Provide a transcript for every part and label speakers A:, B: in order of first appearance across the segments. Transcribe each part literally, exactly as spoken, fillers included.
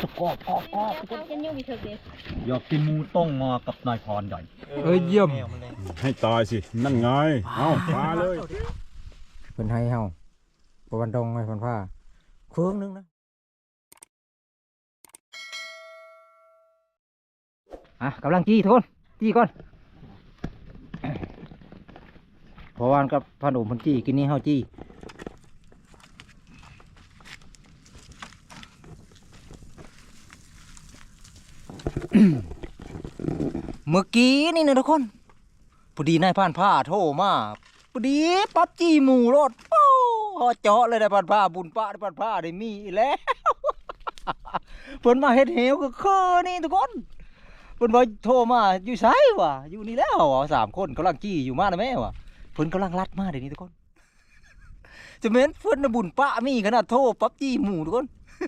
A: สกอบกอบกอบ
B: เข้ากันยุ่งอีกเถอะเด็ก
A: อยากกินหมูต้งงอกับนายพรใหญ่
C: เอ้ยเยี่ยม
D: ให้ตายสินั่นไงเอามาเลย
C: เพิ่นให้เฮาประวันดงให้เพิ่นผ้าเครื่องนึงนะอ่ะกำลังจี้ทุกคนจี้ก่อนเพราะวันกับพาหนุ่มเพิ่นจี้กินนี้เฮาจี้เมื่อกี้นี่นะทุกคนพอดีนายผ่านผ้าโทรมาพอดีปั๊บจี้หมูรถโอ้ฮอเจาะเลยนายผ่านผ้าบุญป้าได้ผ่านผ้าได้มีแล้วเพิ่นมาเฮ็ดเหวก็คือนี่ทุกคนเพิ่นว่าโทรมาอยู่ไสวะอยู่นี่แล้วอ่ะสามคนกำลังจี้อยู่มานะแม่วะเพิ่นกำลังลัดมาเดี๋ยวนี้ทุกคนจะแม่นเพิ่นน่ะบุญป้ามีขนาดโทรปั๊บจี้หมูทุกคน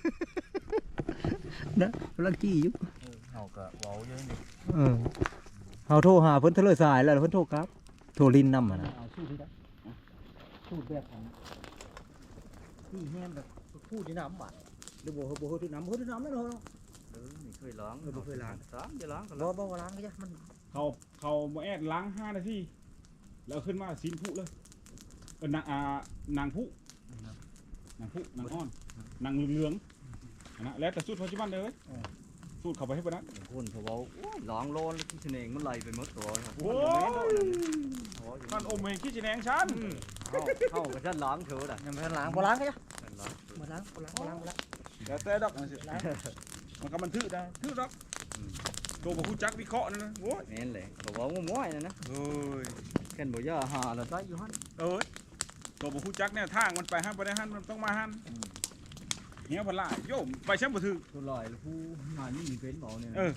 C: นะกำลังจี้อยู่
A: เฮาก็เว้าเยอะนิด
C: เออเฮาโทรหาเพิ่นเทะเลสายแล้วเพิ่นโทรครับโทรลินนำอ่ะนะ
A: เอาสู้ที่ได้สู้แบบของที่แห้งแบบพูดที่น้ำบาดหรือบ่บ่ฮู้ที่น้ำฮู้ที่น้ำนั่นเนาะเออไม่เคยล้างเออบ่เคยล้างสามจะล้างก็ล้างบ่บ่ล้างก็จ้ะมัน
D: เขาเขามาแอดล้างห้านาทีแล้วขึ้นมาซีนผู้เลยเออนางอ่านางผู้นางผู้นางอ้อนนางเหลืองๆนะแล้วแต่สูตรปัจจุบันเลยสูตรเขาไปให้ปะนะ
A: คนเขาเว้าโอ้ยล้างโลนแล้วที่เสน่ห์มันไหลไปหมดตัวครับ
D: โอ้ยท่านอมเองขี้จีแนงฉัน
A: เข้าเข้ากับฉันล้างเถอะน่ะ
C: ยังบ่ทันล้างบ่ล้างก็จ้ะ
A: ฉันล้าง
C: บ่ล้างบ่ล้างบ่ล้างบ่ล้าง
D: แต่แต่ดอกมันสิมันก็มันทื่อได้ทื่อดอกตัวบอกคุณจักวิเคราะห์นะนะโอ้ย
A: แม่นแหละเขาเว้าง่วยๆนะนะ
D: เอ้ย
A: แค่นบ่ย่าหาแล้วได้อยู่หั่น
D: เอ้ยตัวบอกคุณจักเนี่ยทางมันไปห้ามไปได้ห้ามมันต้องมาห้ามเหี้ยพลายโยมไปแชมป์บ่ถือ
A: ตัวลอยแล้วผู้งานนี่มีเป็นบ่เนี่ย
D: เออ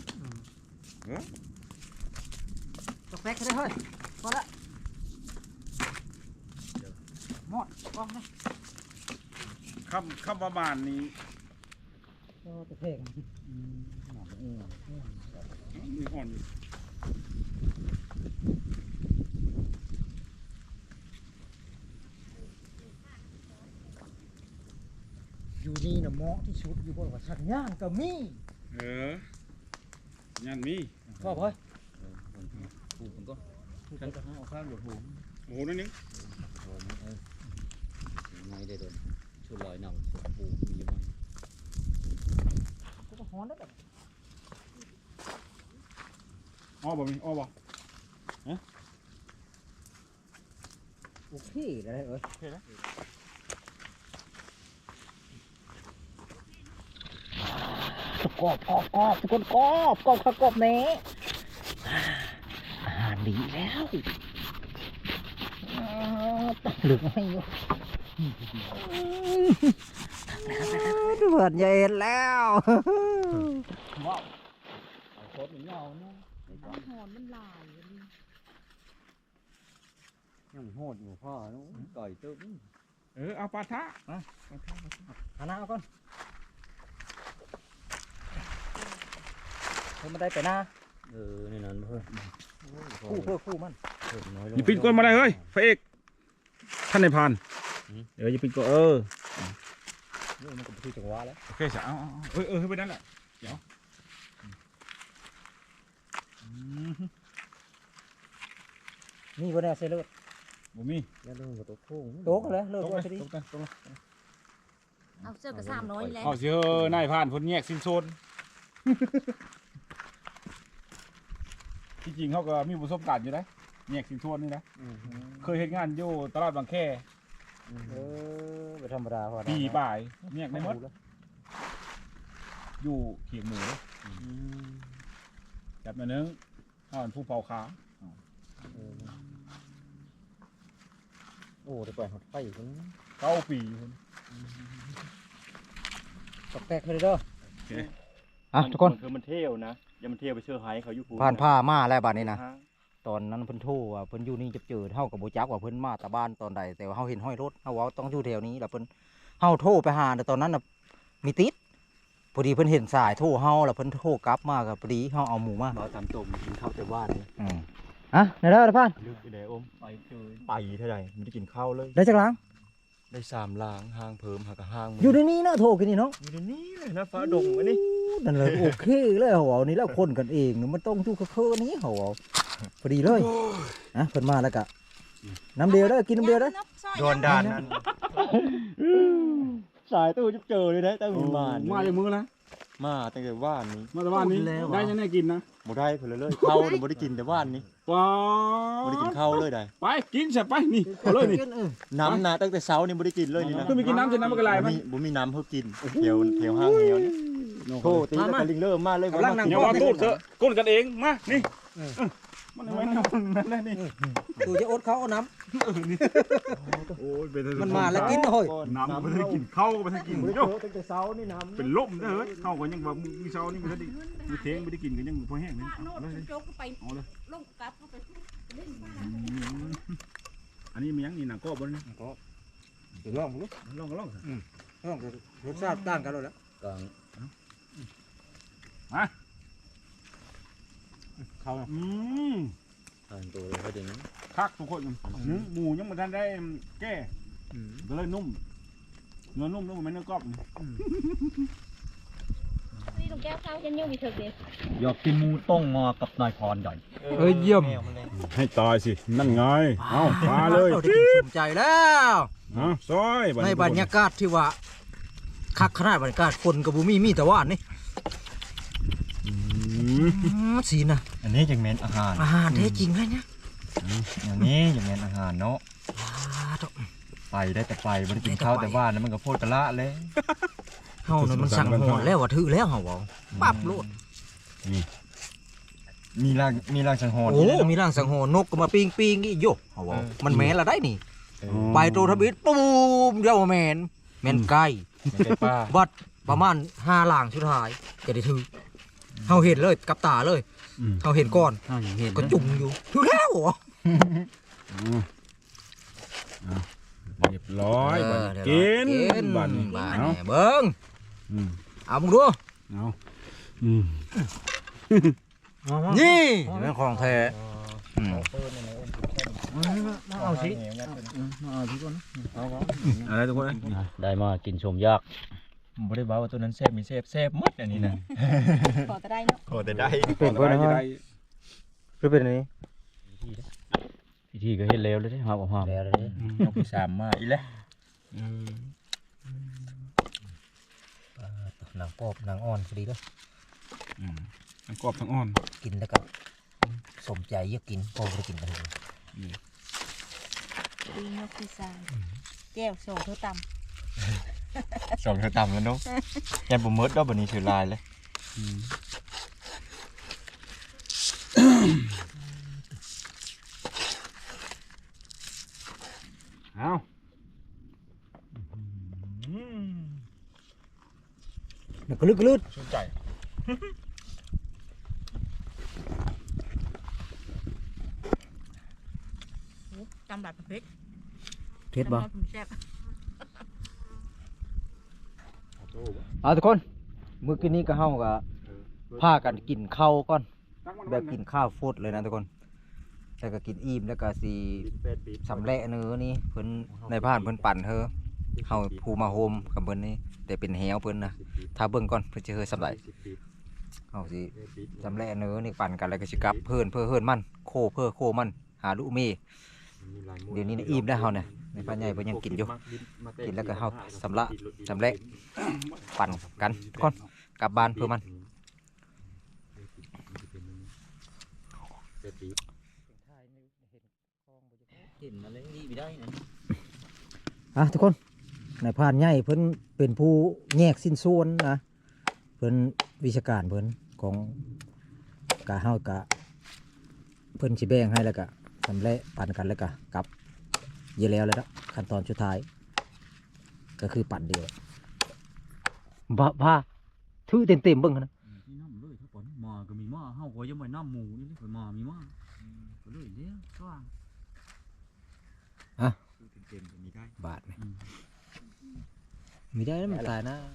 C: ตกแป๊กได้เฮ้ยพอละหมดกล้องนะ
D: คำคำประมาณนี้
C: โอ้ตะเพง
D: มีอ่อนอยู่
C: อยู่นี่น่ะเหมาะที่สุดอยู่บ่ว่าชักย่างก็มี
D: เออยันมี
C: ชอบเฮ้ย
A: ผูกมันก็ฉันก็เอาข้างบดหู
D: โอ้โหนั่นนึง
A: ไม่ได้โดนชุดลอยนำผูกมีอยู่มั้ง
C: กูก็ฮ้อนได้แบบ
D: อ้อบ่มีอ้อบ่
C: โอเคได้เอ้ย
D: โอเคนะ
C: สกอบกอบกอบสกอบกอบกอบกอบกอบแน่อาหารดีแล้วเหลืองให้อยู่เดือดใหญ่แล้ว
A: ว้าวไอ้โคตรมันยาวนะ
B: หอนมันลาย
A: ยังโหดอยู่พ่อก่อยตึ้ง
D: เออเอาปลาทะ
C: หันหน้าเอาก่อนเพิ่มมาได้ไปหน้า
A: เออนี่นั่นเพื่อน
C: คู่เพื่อคู่มัน
A: น้อยลง
D: อย่าปิดก้นมาเลยเฮ้ยพระเอกท่านในายพรานเดี๋ยวอย่าปิดก้นเออ
C: นี่มันก็เป็นที่จังหวะแล้ว
D: โอเคจ้ะเอาเอาเอาเออเออให้ไปนั่นแหละเดี๋ยว
C: นี่วันนี้เซเลอร์
D: บ่มี
A: แล้วเรื่องกับตัวโค้ง
C: โต๊ะเลยเลิก
D: ตก
C: ว่า
D: เลย
C: จะดี
D: ตกเลยตกเลย
B: เอาเสื้อกระสามน้อยแล้ว
D: เอาสิเออนายพรานพ้นแยกสิ้นโซนที่จริงเขาก็มีประสบการณ์อยู่นะแยกสิ้นโซนนี่นะเคยเห็นงานอยู่ตลาดบางแค
C: เออเป็นธรรมดาพอ
D: ปีบ่ายแยกในมดอยู่เขียงหมูจับมาเนื้ออ่อนผู้เผาขา
C: โอ้เดี๋ยวปล่อยหดไฟอยู่คน
D: เก้าปีคน
C: ตกแตกเลยเด้อ
D: โอเค
C: อ่ะทุกคน
A: คือมันเที่ยวนะอย่ามันเที่ยวไปเชื่อไฮเขาอยู่
C: ผ่านผ้ามาแล้วบ้านนี้นะตอนนั้นเพิ่นโทรว่าเพิ่นอยู่นี่จะเจอเฮากับบ่จักว่าเพิ่นมาแต่บ้านตอนใดแต่ว่าเฮาเห็นห้อยรถเฮาว่าต้องอยู่แถวนี้แล้วเพิ่นเฮาโทรไปหาแต่ตอนนั้นน่ะมีติดพอดีเพิ่นเห็นสายโทรเฮาแล้วเพิ่นโทรกลับมาก็พอดีเฮาเอาหมูมา
A: เราตามตรงกินข้าวแต่บ้านนี่
C: อืมอ่ะได้แล้วพ่าน
A: ลึกไปไหนอมไปคือไปเท่าไหร่ไม่ได้กินข้าวเลย
C: ได้จักล้าง
A: ได้สามล้างห้างเพิ่มหากห้าง
C: อยู่ในนี้เนาะโทรกินนี่เนาะ
A: อยู่ในนี้เลยนะฟ้าดงอันนี้
C: โนั่นเลยโอเคเลยเหรอนี่แล้วคนกันเองมันต้องอยู่กับเพื่อนนี้เหรอพอดีเลยอ่ะเพิ่นมาแล้วกะน้ำเดียวได้กินน้ำเดียวได้
B: โดนด่านนั่น
C: สายตู้จะเจอเลยนะตั้งมีมา
D: มาจากมือนะ
C: มาตั้งแต่ว่านนี้
D: มาแต่ว่านนี้ได้ยังไงกินนะ
C: บ่ได้เพิ่นเลยเข้าเนี่ยบ่ได้กินแต่ว่านนี้
D: ว้า
C: บ่ได้กินข้าวเลยได้
D: ไปกินเสร็จไปนี่เอาเลยนี่
C: น้ำนะตั้งแต่เช้านี่บ่ได้กินเลยนี่นะ
D: ก็มีกินน้ำเสร็จน้ำมันก็ไหล
C: บ่
D: มัน
C: มีบ่มีน้ำเพื่อกินเที่ยวเที่ยวห้างเหี่ยวนี่โทษตีแล้วก็ลิงเริ่มมาเลย
D: กำลังนั่งอย่าว่าตูดเถอะก้นกันเองมานี่มันไว้นอนนั่นแหละนี่
A: ตูจะอดเขาเอาน้
D: โอ้ยเป็น
A: ำมันมาแล้วกินเฮ้ย
D: น้ำไม่ได้กินข้าวก็ไม่ได้กินโย
A: ตั้งแต่เช้านี่น้ำ
D: เป็นลมเด้อเฮ้ยข้าวก็ยังแบบมีเช้านี่ไม่ได้มีเทงไม่ได้กินก็ยังพอแห้งนี่เอาเลย
B: โจกไป
D: เอาเลย
B: ลงกลับไปเล่นบ้าน
D: อันนี้มียังนี่หนังกรอบบนนี่
A: เดี๋ยวลองดู
D: ลองก็ลอง
A: ลองดูรสชาติต่างกันแล้ว
C: กลาง
D: มา
A: เขา
D: อืม
C: ทานตัวเลยเขาดึง
D: คักทุกคนเนื้อหมูยังไม่ทันได้แก้ก็เลยนุ่มเนื้อนุ่มนุ่มเหมือนเนื้อกรอบนี่
B: นี่ลุงแก้วข้าวยันยุ่งมีเถอะเด็ด
C: อยากกินหมูต้งงอกับนายพรใหญ่
A: เอ้ยเยี่ยม
D: ให้ตายสินั่นไงเอามาเลย
A: ได้กินสมใจแล้ว
D: เอาซอย
A: ในบรรยากาศที่ว่าคักขนาดบรรยากาศคนกับบุมีมีแต่ว่านี่สีนะ
C: อันนี้จังแม่นอาหาร
A: อาหารแท้จริงเลยเนี่ย
C: อย่างนี้จังแม่นอาหารเนาะ
A: ว้าดอก
C: ไปได้แต่ไปบ่ได้กินข้าวแต่ว่านั้นมันก็โพดกะละเลย
A: เฮานั่นมันสั่งหอนแล้วว่าถือแล้วเฮาเอาปั๊บโลด
C: มีร่างมีร่างสังหรณ์
A: โอ้มีร่างสังหรณ์นกก็มาปิ้งปิ้งอีโยเฮาเอามันแม่นละได้นี่ไปโตทบิดปูมเดียวแม่นแม่นไก่
C: เป็นป้า
A: วัดประมาณห้าหลางสุดท้ายจะได้ถือเฮาเห็นเลยกับตาเลยเฮาเห็นก่อนก็จุ่มอยู่ถือแล้วเหรอ
D: เรียบร้อยบันกินบัน
A: บ้าน
D: เอา
A: เบิ้งเอามึงดู
D: เอาอืม
A: นี่เป็นของแท้เอาสิ
D: อะไรทุกคน
C: ได้มากินชมยากบ่ได้บอกว่าตัวนั้นแซ่บมีแซ่บแซ่บหมดอันนี้นะ
B: ขอจะได้เนาะ
C: โอ้แต่ได้
A: เป็นเพื่อนนะหรือเป็นอันนี้
C: พิธีก็เฮ็ดแล้วเลยหอมหอมแล้วเลยเอาไปสามมาอีแล้ว
A: หนังปอบหนังอ่อนพอดีแล้ว
D: ทั้งกรอบทั้งอ่อน
A: กินแล้วก็สมใจอยากกินพอไปกินกันเลย
B: ดีเนาะพี่ชายแก้วโซ่เธอต
C: สองเท่าต่ำแล้วเนาะแกบ่หมดดอกบัดนี้ถือลายเลย
D: เอา
A: มันก็ลึกลึก
C: สนใจ
B: ำตำแบบเพชร
A: เท็ดบ่
B: แซ่บ
A: เอาทุกคนเมื่อกี้นี้ก็เฮาก็พากันกินข้าวก่อนแบบกินข้าวฟดเลยนะทุกคนแล้วก็กินอิ่มแล้วก็สิสำเร็จเนื้อนี่เพิ่นในบ้านเพิ่นปั่นเธอเฮาผู้มาโฮมกับเพิ่นนี่แต่เป็นแหวเพิ่นนะถ้าเบิ่งก่อนเพิ่นจะเฮอสำเร็จเฮาสิสำเร็จเนื้อนี่ปั่นกันแล้วก็สิกลับเพิ่นเพื่อเฮินมันโคเพื่อโคมันหาลูกเมเดี๋ยวนี้นะอิ่มแล้วเฮาเนี่ยในป้าใหญ่เพิ่นยังกินอยู่กินแล้วก็เฮาสำละสำเร็จปั่นกันทุกคนกลับบ้านเพื่อมันอ่ะทุกคนนายพรานใหญ่เพิ่นเป็นผู้แยกสิ้นส่วนนะเพิ่นวิชาการเพิ่นของกะเฮากะเพิ่นสิแบ่งให้แล้วก็สำเร็จปั่นกันแล้วก็กลับเยอะแล้วแล้วนะขั้นตอนสุดท้ายก็คือปั่นเดียวบ้าบ้าถือเต็มเต็มๆเบิ่งนะ
C: นี่น้ำเลยถ้าปนมาก็มีมาเฮาก็ยังไม่น้ำหมูนี่เลยมามีมาก็เลยเลี้ยงสว่าง
A: อ่ะ
C: เต็มๆก็มีได้
A: บาทไหมมีได้แล้วมันตายนะ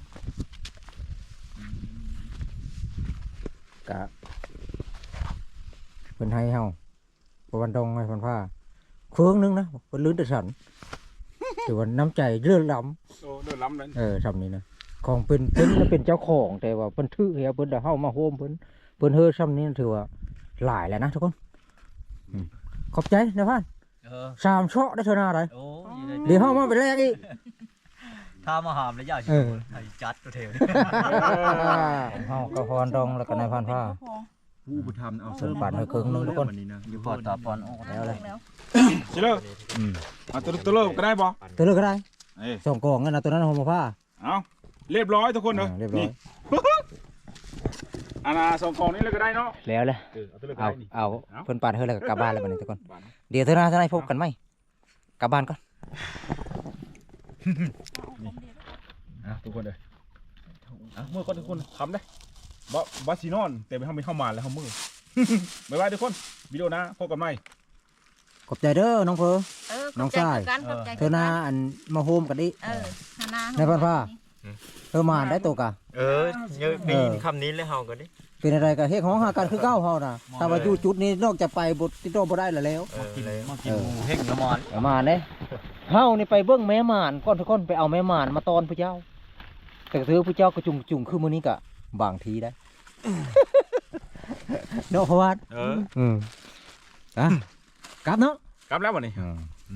A: กะเพิ่นให้เฮาประวันดงให้เพิ่นผ้าเครื่องนึงนะเพิ่นลื้นแต่ฉันถือว่าน้ำใจเลื่อนล้
D: โอ้เดือดล้ำเลย
A: ำเออทำนี้นะ
C: ของเป็นเพิ่นน่ะเป็นเจ้าของแต่ว่าเพิ่นถือเฮียเพิ่นได้เฮามาโฮมเพิ่นเพิ่นเฮอซ้ำนี้ถือว่าหลายแล้วนะทุกคนอืมขอบใจนะพ่าน
A: เออ
C: สามเชาะได้เท่าหน้าไร
A: โอ้ย
C: เดี๋ยวเฮามาเป็นแรกอีก
A: ถ้ามาหามแล้วยาก
C: เออ
A: ไอ้จัดตัวเทว
C: เฮาก็พรดองแล้วก็นายพันผ้า
E: ผู้บุธรรมเอา
C: เพิ่นปาดให้ครึ่งหนึงทุกคน
E: วันนี้นะ
A: อยู่พอตาปอนออก
C: แล้วเลย
D: เชิญเลย
C: อืม
D: เอาตัวตัวเลิกก็ได้บ่
C: ตัวเลือกก็ได้
D: เอ้ย
C: ส่งกล่องกันนะตัวนั้นเอามาผ้า
D: เอาเรียบร้อยทุกคนเนอะ
C: อ่าเรียบร้อย
D: นี่ อันน่ะสองกล่องนี้เลยก็ได้เนาะ
C: แล้วเลย
D: เออเอาตัวเลิกก็
C: เอา
D: ได้นี่
C: เอาเพิ่นปาดให้แล้วก็กลับบ้านแล้วบัดนี้ทุกคน
D: บาทนะ
C: เดี๋ยวเท่าหน้าเท่าไหร่พบกันไหมกลับบ้านก่อน
D: อ่ะทุกคนเลยอ่ะมือก่อนทุกคนทำได้บ่บ่สีนอนแต่ไปทำไม่เข้ามาแล้วทำมือ บ๊ายบายทุกคนวิดีโอหนะพบกันใหม่
C: ขอบใจเด้อน้องเพอ
B: เออ
C: น้องชาย
B: กันขอบใจ
C: เธอหน้าอันมาโฮมกันดิ
B: เออหาหน้า
C: ในพันผ้าเธอมาได้ตัวกะ
E: เออเยอะได้ยินคำนี้เลยเฮากันดิ
C: เป็นอะไรกันเฮ็ดของหากันคือเก้าเฮาน่ะถ้าว่าอยู่จุดนี้นอกจากไปบ่ติดต่อบ่ได้แล้วแล้ว
E: เออเลย
A: มากินหมูเพ่งน้ำมัน
C: เอามาเด้เฮานี่ไปเบิ่งแม่หมานก่อนทุกคนไปเอาแม่หมานมาตอนผู้เจ้า แต่ถือผู้เจ้าก็จุ่มจุ่มคือมื้อนี้ก็บางทีได้ เนาะเพราะว่า
E: เออ
C: อืมอ่ะกลับเนาะ
D: กลับแล้ววันนี้
C: อืม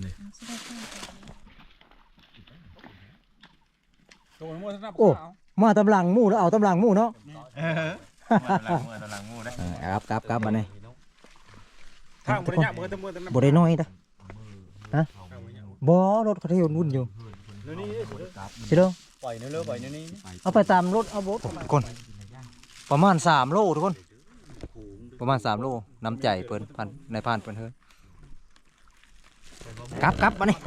D: ตัวมือท่าน
C: โอ้มาตำหลังหมู่แล้วเอาตำหลังหมู่เนาะ
E: เออมาตะลังมือตะลังมือได้
C: อ่ากลับกลับกลับมานี่
D: ทางบริญญามือทั้งมือทั้ง
C: บ่ได้น้อยเด้อฮะบ่รถเขาเที่ยววุ่นอยู่
D: นี่
C: สิเด้อ
A: ปล่อยเนื้อเลือปล่อยเนื้อนี้
C: เอาไปตามรถเอารถทุกคนประมาณสามโลทุกคน ประมาณสามโลน้ำใจเพิ่นพันในพันเพิ่นเฮ้ยกลับกลับมานี่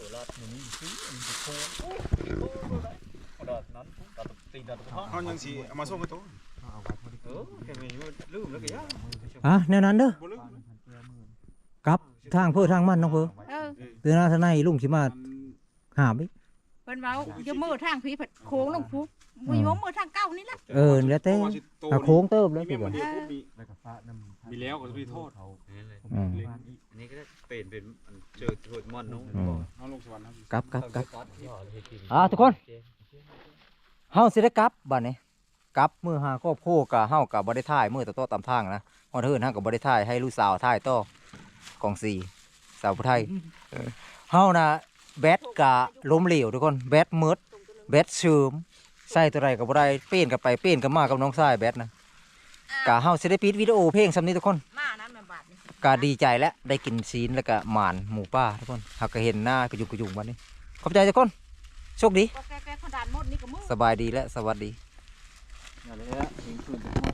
D: เขายังสีเอามาส่งกันตัว
A: เออแค่นี้ลืมแล้วก็ยาก
C: อ่ะแนวนั้นเด้อ
D: บ่ลืม
C: กลับทางเพื่อทางมันน้องเพื่อ
B: เออ
C: เตือนหน้าทางในลุงสิมาหามอีก
B: เพิ่นเว้าอยู่มือทางพี่เพิ่นโค้งลงฟุบมือมือทางเก้านี่แหละ
C: เออแล้วแต่ถ้าโค้งเติมแล้ว
D: มี
C: สิ
D: แม่
C: บ่
D: มันเดียวปุ๊บมีมีแล้วก็จะไปโทษ
C: อืม
A: อันนี้ก็เป็นเป็นเจอโทษมอนน้อง
C: อืม
D: เอาลงสวรรค์ครับ
C: กลับกลับกลับอ่ะทุกคนเฮาสิได้กลับบัดนี้กลับมื้อหาครอบครัวกะเฮาก็บ่ได้ถ่ายมื้อต่อๆตามทางนะฮอดเฮินเฮาก็บ่ได้ถ่ายให้ลูกสาวถ่ายต่อกองสี่สาวผู้ไทยเออเฮาน่ะแบตกะล้มเหลวทุกคนแบตหมดแบตเสื่อมใส่ตัวใดก็บ่ได้เป้นกันไปเป้นกันมากับน้องชายแบตนะกะเฮาสิได้ปิดวิดีโอเพลงซำนี้ทุกคน
B: มานั้นแม่บาดนี่
C: ก็ดีใจแล้วได้กินซีนแล้วก็หมานหมูป่าทุกคนหากก็เห็นหน้ากระยุกกระยุงวันนี้ขอบใจทุกคนโชคดี
B: ก็แก้ๆเขาด่านหมดนี่ก็มือ
C: สบายดีและสวัสดี
A: นั่นแหละถึงคืน